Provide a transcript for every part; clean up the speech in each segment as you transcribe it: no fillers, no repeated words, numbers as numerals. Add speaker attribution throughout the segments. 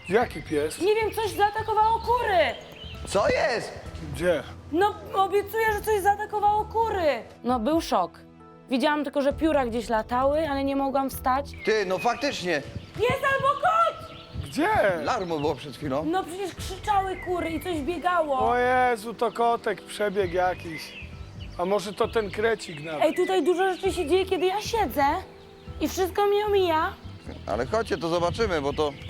Speaker 1: Jaki pies?
Speaker 2: Nie wiem, coś zaatakowało kury.
Speaker 3: Co jest?
Speaker 1: Gdzie?
Speaker 2: No, obiecuję, że coś zaatakowało kury. No, był szok. Widziałam tylko, że pióra gdzieś latały, ale nie mogłam wstać.
Speaker 3: Ty, no faktycznie.
Speaker 2: Pies albo kot!
Speaker 1: Gdzie?
Speaker 3: Larmo było przed chwilą.
Speaker 2: No przecież krzyczały kury i coś biegało.
Speaker 1: O Jezu, to kotek, przebieg jakiś. A może to ten krecik nawet?
Speaker 2: Ej, tutaj dużo rzeczy się dzieje, kiedy ja siedzę i wszystko mnie omija,
Speaker 3: Ale chodźcie, to zobaczymy, bo to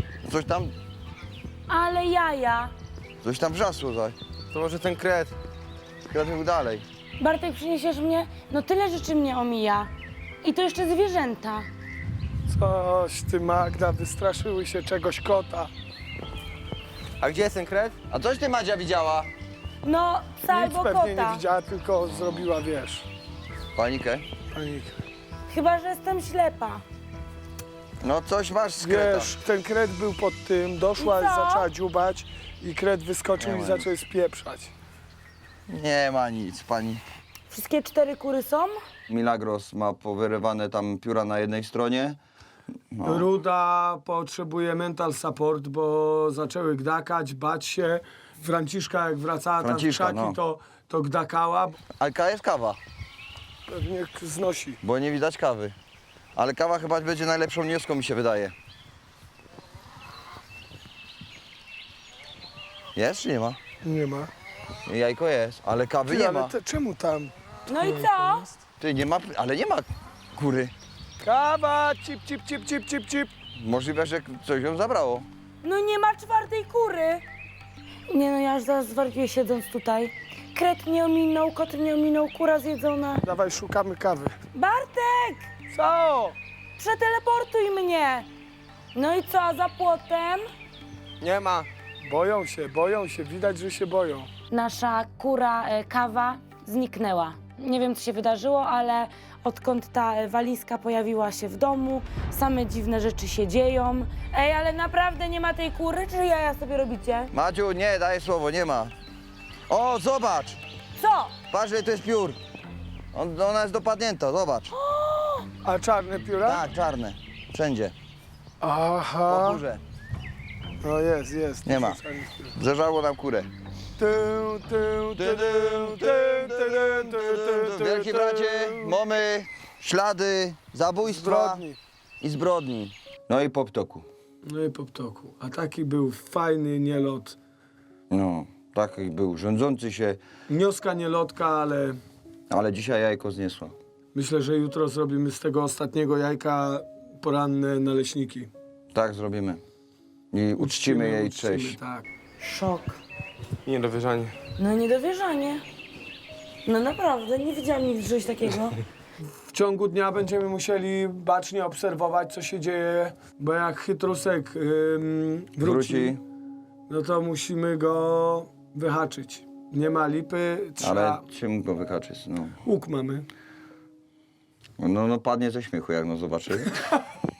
Speaker 2: ale jaja.
Speaker 3: coś tam wrzasło zaś.
Speaker 4: To może ten kret.
Speaker 3: Kret był dalej.
Speaker 2: Bartek, przyniesiesz mnie? No tyle rzeczy mnie omija. I to jeszcze zwierzęta.
Speaker 1: Coś ty, Magda, wystraszyły się czegoś kota.
Speaker 4: A gdzie jest ten kret?
Speaker 3: A coś ty, Madzia, widziała?
Speaker 2: No, psa
Speaker 1: Nic
Speaker 2: albo
Speaker 1: pewnie nie
Speaker 2: kota.
Speaker 1: widziała, tylko zrobiła, wiesz,
Speaker 3: Panikę?
Speaker 1: panikę.
Speaker 2: Chyba, że jestem ślepa.
Speaker 3: No coś masz z kreta.
Speaker 1: Wiesz, ten kret był pod tym, doszła
Speaker 2: I
Speaker 1: i
Speaker 2: co?
Speaker 1: zaczęła dziubać i kret wyskoczył
Speaker 3: Nie
Speaker 1: i
Speaker 3: ma
Speaker 1: zaczął je spieprzać.
Speaker 3: Nie ma nic, pani.
Speaker 2: Wszystkie 4 kury są?
Speaker 3: Milagros ma powyrywane tam pióra na jednej stronie. No.
Speaker 1: Ruda potrzebuje mental support, bo zaczęły gdakać, bać się. Franciszka jak wracała tam z
Speaker 3: Franciszka,
Speaker 1: krzaki,
Speaker 3: no.
Speaker 1: to gdakała.
Speaker 3: Ale jest kawa,
Speaker 1: Pewnie znosi.
Speaker 3: bo nie widać kawy. Ale kawa chyba będzie najlepszą nieską, mi się wydaje. Jest czy nie ma?
Speaker 1: Nie ma.
Speaker 3: Jajko jest, ale kawy
Speaker 1: Ty,
Speaker 3: nie
Speaker 1: ale
Speaker 3: ma.
Speaker 1: czemu tam?
Speaker 2: No i co?
Speaker 3: Ty, nie ma, ale nie ma kury.
Speaker 1: Kawa, cip, cip, cip, cip, cip, cip.
Speaker 3: Możliwe, że coś ją zabrało.
Speaker 2: No nie ma 4 kury. Nie no, ja już zaraz zwariuję siedząc tutaj. Kret mnie ominął, kot mnie ominął, kura zjedzona.
Speaker 1: Dawaj, szukamy kawy.
Speaker 2: Bartek!
Speaker 1: Co?
Speaker 2: Przeteleportuj mnie! No i co, a za płotem?
Speaker 4: Nie ma.
Speaker 1: Boją się, widać, że się boją.
Speaker 2: Nasza kura kawa zniknęła. Nie wiem, co się wydarzyło, ale odkąd ta walizka pojawiła się w domu, same dziwne rzeczy się dzieją. Ej, ale naprawdę nie ma tej kury, czy jaja sobie robicie?
Speaker 3: Madziu, nie, daję słowo, nie ma. O, zobacz!
Speaker 2: Co?
Speaker 3: Patrz, ile to jest piór. Ona jest dopadnięta, zobacz.
Speaker 1: A czarne pióra?
Speaker 3: Tak, czarne. Wszędzie. Po
Speaker 1: Aha.
Speaker 3: górze.
Speaker 1: No jest.
Speaker 3: Nie ma.
Speaker 1: Czarnych piór.
Speaker 3: Zeżarło nam kurę. Wielki bracie, mamy ślady zabójstwa
Speaker 1: Zbrodni.
Speaker 3: i zbrodni. No i po ptoku.
Speaker 1: No i po ptoku. A taki był fajny nielot.
Speaker 3: No, taki był rządzący się,
Speaker 1: Nioska nielotka, ale
Speaker 3: dzisiaj jajko zniesła.
Speaker 1: myślę, że jutro zrobimy z tego ostatniego jajka poranne naleśniki.
Speaker 3: Tak zrobimy. I uczcimy jej cześć.
Speaker 1: Tak.
Speaker 2: Szok.
Speaker 4: Niedowierzanie.
Speaker 2: No niedowierzanie. No naprawdę, nie widziałam nigdy czegoś takiego.
Speaker 1: W ciągu dnia będziemy musieli bacznie obserwować, co się dzieje, bo jak chytrusek wróci, no to musimy go wyhaczyć. Nie ma lipy, trzeba...
Speaker 3: Ale czym go wykaczyć? No.
Speaker 1: Łuk mamy.
Speaker 3: No padnie ze śmiechu, jak no zobaczy.